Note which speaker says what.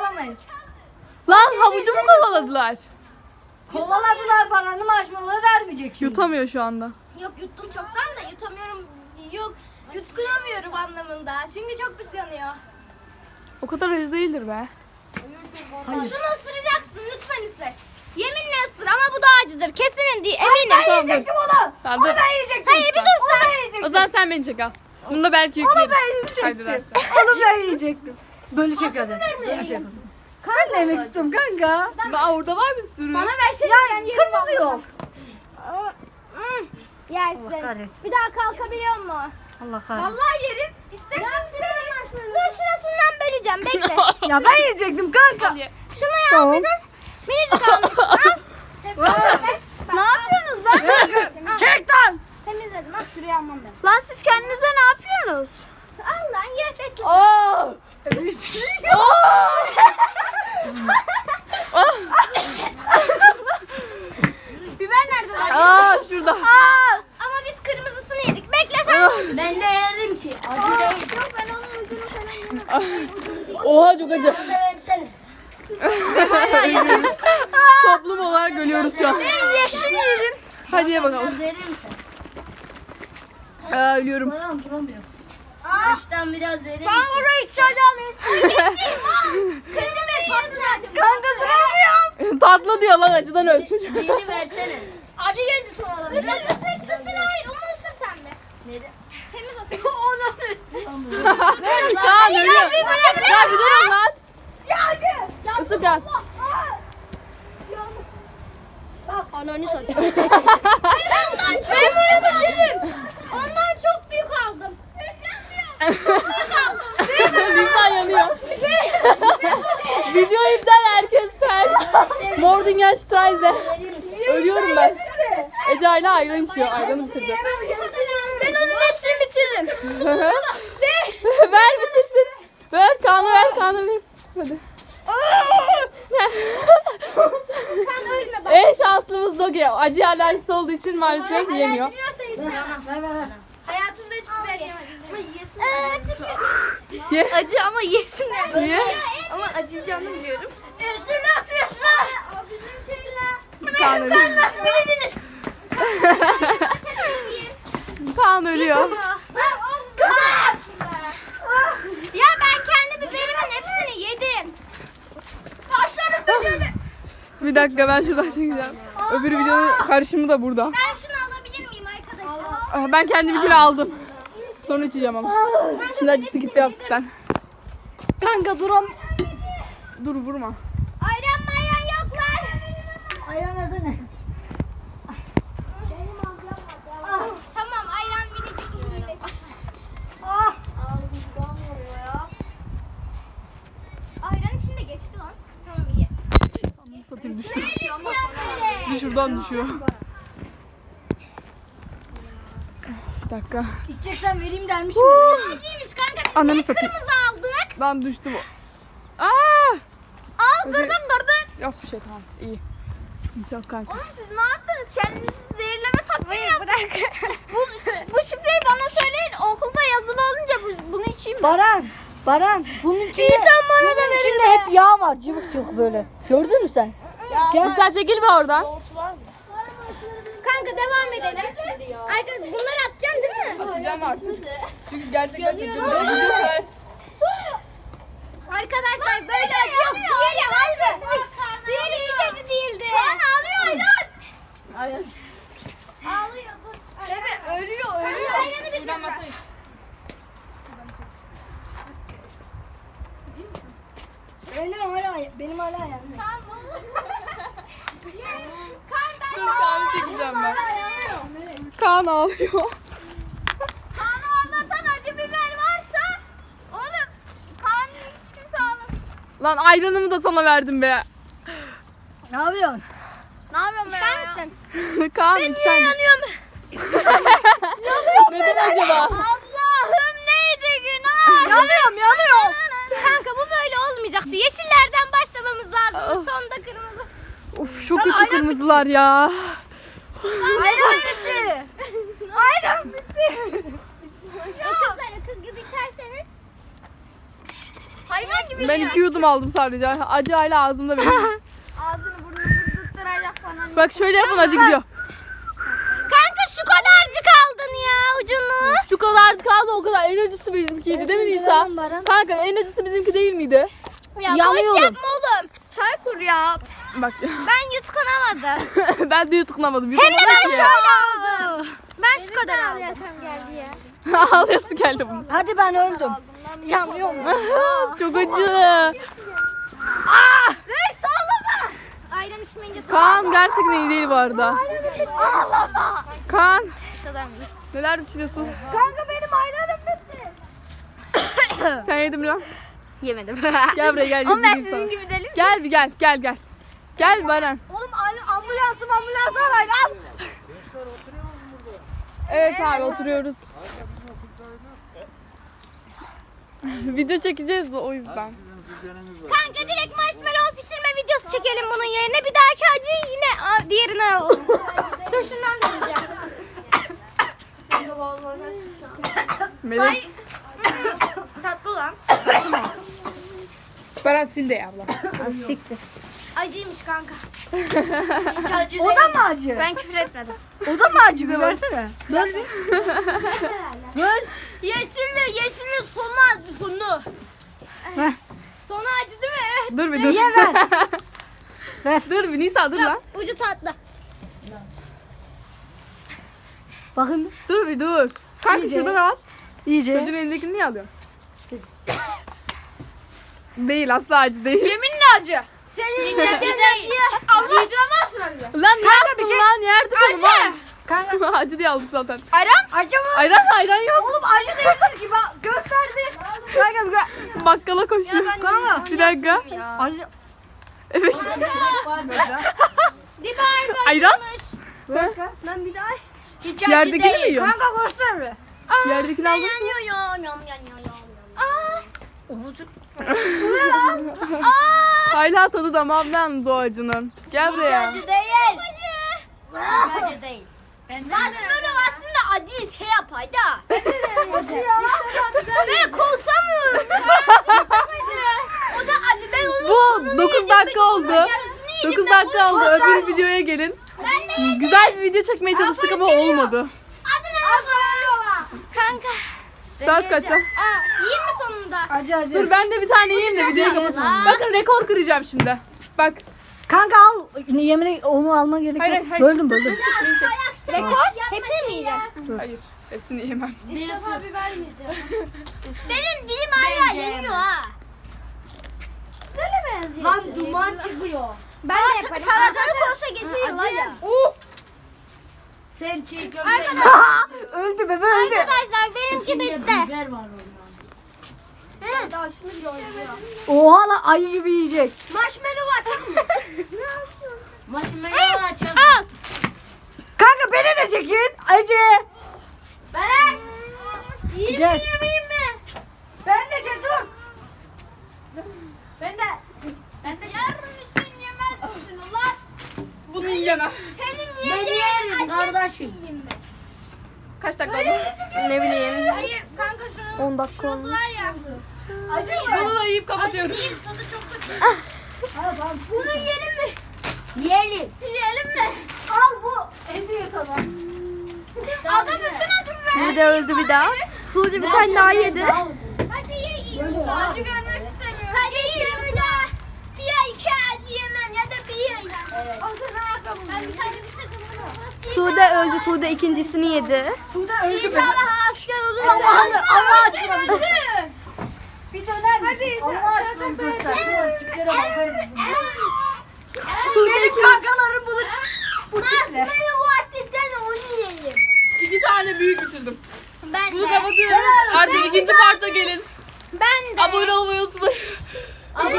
Speaker 1: kovalamayın.
Speaker 2: Lan havucu mu kovaladılar?
Speaker 1: Kovaladılar Baran'ı, marshmallow vermeyecek şimdi.
Speaker 2: Yutamıyor şu anda.
Speaker 3: Yok yuttum çoktan da yutamıyorum. Yok yutkunamıyorum anlamında. Çünkü çok pis yanıyor.
Speaker 2: O kadar acı değildir be.
Speaker 1: Hayır.
Speaker 3: Şunu ısıracaksın lütfen ısır. Yeminle ısır ama bu da acıdır. Kesin değil eminim.
Speaker 2: Tamam, dur.
Speaker 1: Yiyecektim onu.
Speaker 2: Tamam,
Speaker 1: Onu
Speaker 2: dur.
Speaker 1: ben yiyecektim.
Speaker 3: Hayır bir dur sen.
Speaker 2: O zaman sen beni çek al. Bunu da belki
Speaker 1: Onu
Speaker 2: yükleriz.
Speaker 1: ben yiyecektim.
Speaker 2: Kaydedersen.
Speaker 1: Onu ben yiyecektim. Böyle çek hadi. Böyle çek. Ben de yemek istiyorum kanka.
Speaker 2: Aa, orada var bir sürü.
Speaker 3: Bana versene
Speaker 1: Ya
Speaker 3: ben yerim
Speaker 1: kırmızı yok.
Speaker 3: Yersin.
Speaker 1: Allah kahretsin.
Speaker 3: Bir daha kalkabiliyor mu?
Speaker 1: Allah kahretsin.
Speaker 3: Vallahi yerim. İstersen dur şurasından böleceğim bekle.
Speaker 1: Ya ben yiyecektim kanka.
Speaker 2: Hadi.
Speaker 3: Şunu ya
Speaker 1: Tamam.
Speaker 3: bir de minicik almışsın. Ne yapıyorsunuz lan?
Speaker 1: Çek lan.
Speaker 3: Temizledim ha şuraya almam ben.
Speaker 4: Lan siz kendinize ne yapıyorsunuz?
Speaker 3: Al lan ye bekle.
Speaker 2: Aa!
Speaker 3: Biber nerede lan?
Speaker 2: Aa, şurada.
Speaker 3: Ama biz kırmızısını yedik. Bekle sen.
Speaker 4: Ben de yerim ki. Acı değil.
Speaker 3: Yok ben onun ucunu falan yemem.
Speaker 2: Oha, çok acı.
Speaker 4: Versene.
Speaker 2: Ölüyoruz. Toplum olarak ölüyoruz şu an.
Speaker 4: Yeşil yerim.
Speaker 2: Hadi ye bakalım.
Speaker 4: Verir misin?
Speaker 2: Aa, ölüyorum.
Speaker 4: Bana duramıyor. Baştan biraz verir misin?
Speaker 3: Orayı çayda alayım. Yeşil al. Kırmızı tatlı zaten.
Speaker 1: Kanka duramıyorum.
Speaker 2: Tatlı diyor lan, acıdan öl çocuk.
Speaker 4: Diğeri versene. Acı geldi sonra.
Speaker 3: Isır hayır onu ısır sen de.
Speaker 4: Neden?
Speaker 3: Temiz otur.
Speaker 2: Kaan ölüyor. Ya bir durun lan.
Speaker 1: Ya acı.
Speaker 2: Isır Kaan.
Speaker 4: Ananı satayım.
Speaker 3: Ondan çok büyük aldım.
Speaker 2: Lisan yanıyor. Video iptal, herkes pers. Mordinger Streise. Ölüyorum ben. Ece hala ayran içiyor. Ayranı bitirdi.
Speaker 4: Ben onun hepsini bitiririm.
Speaker 2: Ver bitirsin. Ver Kaan'a, ver Kaan'a, ver. Hadi.
Speaker 3: Kan ölme bak.
Speaker 2: En şanslımız Doge. Acı alerjisi olduğu için maalesef yemiyor.
Speaker 3: Hayatımda hiç biber yemedim. Ama yiyesin.
Speaker 2: Ye.
Speaker 4: Acı ama yesin de.
Speaker 2: Ye.
Speaker 4: Ama acıyacağını biliyorum.
Speaker 3: Üstüne atıyorsun. O bizim şeyler.
Speaker 2: Kaan ölüyor.
Speaker 4: Nasıl bildiniz?
Speaker 2: Kaan ölüyor.
Speaker 3: Ya ben kendi biberimin hepsini yedim. Başlarım biberini.
Speaker 2: Bir dakika, ben şuradan çekeceğim. Öbür videonun karışımı da burada.
Speaker 3: Ben şunu alabilir miyim arkadaşlar?
Speaker 2: Ben kendiminkini aldım. Sonra içeceğim ama. Şimdi acısı gitti hafiften.
Speaker 1: Kanka duram.
Speaker 2: Dur, vurma.
Speaker 3: Ayran mayran yok lan.
Speaker 4: Ayran ne?
Speaker 3: Tamam ayran minicik minicik.
Speaker 1: Ah.
Speaker 3: Ayran içinde geçti lan. Tamam iyi.
Speaker 2: Satayım, düştü. Bir şuradan düşüyor. Bir dakika.
Speaker 1: İçeceksen vereyim dermişim.
Speaker 3: Acıymış kanka biz
Speaker 2: Ananı
Speaker 3: niye
Speaker 2: satayım.
Speaker 3: kırmızı aldık?
Speaker 2: Ben düştüm. Aa!
Speaker 4: Al kırdın.
Speaker 2: Yok bir şey, tamam. İyi. Sıkıntı yok kanka.
Speaker 4: Oğlum siz ne yaptınız? Kendinizi zehirleme taktiği yaptınız.
Speaker 3: Bırak.
Speaker 4: Bu şifreyi bana söyleyin. Okulda yazılı olunca bunu içeyim.
Speaker 1: Baran. Bunun içinde,
Speaker 4: İnsan bana da
Speaker 1: bunun
Speaker 4: verir
Speaker 1: içinde
Speaker 4: be.
Speaker 1: hep yağ var. Cıvık cıvık böyle. Gördün mü sen? Gel.
Speaker 2: Sen çekil be oradan.
Speaker 3: Kanka devam edelim. Arkadaşlar bunları atacaksın değil mi?
Speaker 2: Atacağım artık. Çünkü gerçekten çocuğum öldü. Evet.
Speaker 3: Arkadaşlar böyle acı yok. Diğeri halletmiş. Diğeri hiç acı değildi.
Speaker 4: Ağlıyor ayran.
Speaker 3: Ağlıyor bu.
Speaker 4: Evet ölüyor
Speaker 3: Ayranı bitir.
Speaker 2: Şuradan bakayım.
Speaker 1: Benim hala yanmıyor.
Speaker 3: Kan ben
Speaker 2: Dur, Kaan'ı çekeceğim ben. Kaan ağlıyor.
Speaker 4: Kaan'ı anlatan acı biber varsa oğlum Kaan'ı hiç kimse ağlasın.
Speaker 2: Lan ayranımı da sana verdim be.
Speaker 1: Ne yapıyorsun?
Speaker 4: Ne yapıyorsun be
Speaker 3: ister
Speaker 4: ya?
Speaker 3: misin?
Speaker 2: Kaan sen.
Speaker 4: Yanıyorum.
Speaker 2: Neden acaba?
Speaker 4: Allah'ım neydi günah?
Speaker 1: Yanıyorum.
Speaker 3: Kanka bu böyle olmayacaktı. Yeşillerden başlamamız lazım. Sonda kırmızı.
Speaker 2: Of, çok kötü kırmızılar ya.
Speaker 1: Ayran bitti. Ayran bitti.
Speaker 3: Kızlar kız gibi biterseniz.
Speaker 4: Hayvan gibi
Speaker 2: Ben 2 yudum aldım sadece. Acı hala ağzımda benim.
Speaker 4: Ağzını burnunu tutturacak falan.
Speaker 2: Bak şöyle yapın, acı gidiyor.
Speaker 3: Kanka şu kadarcık aldın ya ucunu.
Speaker 2: Şu kadarcık kaldı, o kadar. En acısı bizimkiydi değil mi Nisa? Kanka en acısı bizimki değil miydi?
Speaker 3: Ya boş
Speaker 1: Yanıyorum.
Speaker 3: yapma oğlum.
Speaker 4: Çay kur ya.
Speaker 2: Bak
Speaker 3: Ben yutkunamadım.
Speaker 2: ben de yutuklamadım.
Speaker 3: Hem de ben
Speaker 2: Yutamadım
Speaker 3: şöyle aldım. Ben şu kadar aldım.
Speaker 4: geldi ya.
Speaker 2: ya. Ağlayası geldi bunun.
Speaker 1: Hadi ben öldüm. Yanıyorum.
Speaker 2: Çok acı.
Speaker 4: Hey sallama.
Speaker 3: Ayran içmeyince
Speaker 2: Kaan gerçekten iyi değil bu arada. Kaan. Neler düşünüyorsun?
Speaker 3: Kanka benim ayranım bitti.
Speaker 2: Sen yedin mi lan?
Speaker 3: Yemedim.
Speaker 2: Gel buraya gel.
Speaker 4: Ama ben
Speaker 2: yedireyim sana.
Speaker 4: sizin gibi delim.
Speaker 2: Gel bir gel. Gel Baran.
Speaker 1: Oğlum ambulans arayın al.
Speaker 2: Evet abi oturuyoruz. Video çekeceğiz de o yüzden.
Speaker 3: Kanka direkt marshmallow pişirme videosu çekelim bunun yerine. Bir dahaki acıyı yine diğerine alalım. Dur şundan diyeceğim.
Speaker 2: Melek.
Speaker 3: Tatlı lan.
Speaker 2: Baran sil de ya abla.
Speaker 3: Acıymış kanka.
Speaker 4: Hiç acı
Speaker 1: O da mı acı?
Speaker 4: Ben küfür etmedim.
Speaker 1: O da mı acı? Bir versene. Ver bir. Ver.
Speaker 3: Yeşilli sonu.
Speaker 1: Heh.
Speaker 3: Sonu acı değil mi?
Speaker 2: Dur bir dur.
Speaker 1: Niye ver? Ver.
Speaker 2: Dur bir Nisa dur lan.
Speaker 3: Ucu tatlı.
Speaker 1: Bakın
Speaker 2: Dur bir dur. Kanka
Speaker 1: İyice.
Speaker 2: şuradan al.
Speaker 1: iyice.
Speaker 2: Çocuğun elindekini niye alıyorsun? Değil, asla acı değil.
Speaker 4: Yeminle acı. Senin içinde değil. Allah acımazsın acı.
Speaker 2: Lan ne yaptın
Speaker 1: bir şey-
Speaker 2: lan? Yerde benim lan.
Speaker 1: Kanka
Speaker 2: Acı diye aldık zaten.
Speaker 4: Ayran?
Speaker 1: acı mı?
Speaker 2: Ayran yok.
Speaker 1: Oğlum acı değildir ki bak gösterdi. Kanka bir gö-
Speaker 2: Bakkala koşuyor.
Speaker 1: Kanka.
Speaker 2: Bir dakika.
Speaker 1: Acı.
Speaker 2: Evet.
Speaker 3: Biber
Speaker 2: Ayran?
Speaker 4: Ben bir daha. Hiç acı
Speaker 2: Yerdekini mi
Speaker 4: değil.
Speaker 2: yiyorsun?
Speaker 1: Kanka göster bir.
Speaker 2: Yerdekini aldın mı? Hala tadı damağımdan o acının. Gel buraya.
Speaker 4: Acı değil. Acı değil. Marshmallow aslında acı şey yapar da. Ben konsamıyorum. O da acı. Ben onun
Speaker 2: Bu
Speaker 4: sonunu
Speaker 2: 9
Speaker 4: yedim,
Speaker 2: dakika
Speaker 4: ben onun
Speaker 2: oldu.
Speaker 4: acısını yedim,
Speaker 2: 9
Speaker 4: ben
Speaker 2: dakika
Speaker 4: onun
Speaker 2: oldu. Öbür videoya gelin. Güzel bir video çekmeye çalıştık ama olmadı.
Speaker 3: Kanka.
Speaker 2: Saat kaçta?
Speaker 3: Yiyeyim mi sonunda?
Speaker 1: Acı.
Speaker 2: Dur ben de bir tane yiyeyim de videoyu kapatayım. Bakın rekor kıracağım şimdi. Bak.
Speaker 1: Kanka al. Yemin onu alma gerek
Speaker 2: Hayır,
Speaker 1: yok.
Speaker 2: hayır.
Speaker 1: Böldüm.
Speaker 2: Beni çek.
Speaker 3: Rekor? Hepsini mi yiyeceksin?
Speaker 2: Hayır. Hepsini yiyemem.
Speaker 4: Benim dilim hala yeniyor ha.
Speaker 1: Lan duman çıkıyor.
Speaker 3: Ben de yaparım.
Speaker 4: Salatalık olsa getiriyorlar ya.
Speaker 1: Sen çiğ
Speaker 3: Öldü bebe öldü. Arkadaşlar benimki bitti.
Speaker 1: Oha lan ayı gibi yiyecek.
Speaker 4: Marshmallow açalım mı?
Speaker 3: Marshmallow açalım. Al.
Speaker 1: Kanka beni de çekin. Acı.
Speaker 3: Ben.
Speaker 1: Gel. Ben de çek dur.
Speaker 3: Ben de.
Speaker 4: Yer misin yemez misin ulan?
Speaker 2: Bunu yiyemem.
Speaker 4: Senin
Speaker 3: Ben
Speaker 4: yediğin
Speaker 3: yerim
Speaker 4: acı
Speaker 3: kardeşim.
Speaker 4: yiyeyim ben.
Speaker 2: Kaç dakika oldu?
Speaker 4: Ne bileyim.
Speaker 3: Hayır kanka şunun
Speaker 4: 10 dakika
Speaker 3: şurası
Speaker 4: oldu.
Speaker 3: var ya. Acı
Speaker 2: Bunu da yiyip kapatıyorum.
Speaker 3: değil, tadı çok kötü.
Speaker 4: Bunu yiyelim mi?
Speaker 3: Yiyelim.
Speaker 4: Yiyelim mi?
Speaker 1: Al bu. Hediye sana.
Speaker 4: Ada bütün acımı ver.
Speaker 2: Sude öldü bir daha. Sude bir tane daha yedi.
Speaker 3: Hadi yiyin.
Speaker 4: Acı görmek istemiyorum. Hadi yiyelim bir daha. Bir ya iki acı yemem ya da bir.
Speaker 3: Ben bir tane bir sakın.
Speaker 2: Sude öldü. Sude ikincisini yedi.
Speaker 1: Sude öldü be.
Speaker 4: İnşallah asker olur.
Speaker 1: Allah aşkına bir
Speaker 4: Öldü.
Speaker 1: Bir döner misin? Allah aşkına bir göster. Şu tiplere bakar mısın? Benim kankalarım bunu bu tiple.
Speaker 4: Marshmallow attı sen onu yiyelim.
Speaker 2: 2 tane büyük bitirdim.
Speaker 3: Ben
Speaker 2: Bunu
Speaker 3: de.
Speaker 2: kapatıyoruz. Artık ikinci parta gelin.
Speaker 3: Ben de.
Speaker 2: Abone olmayı unutmayın.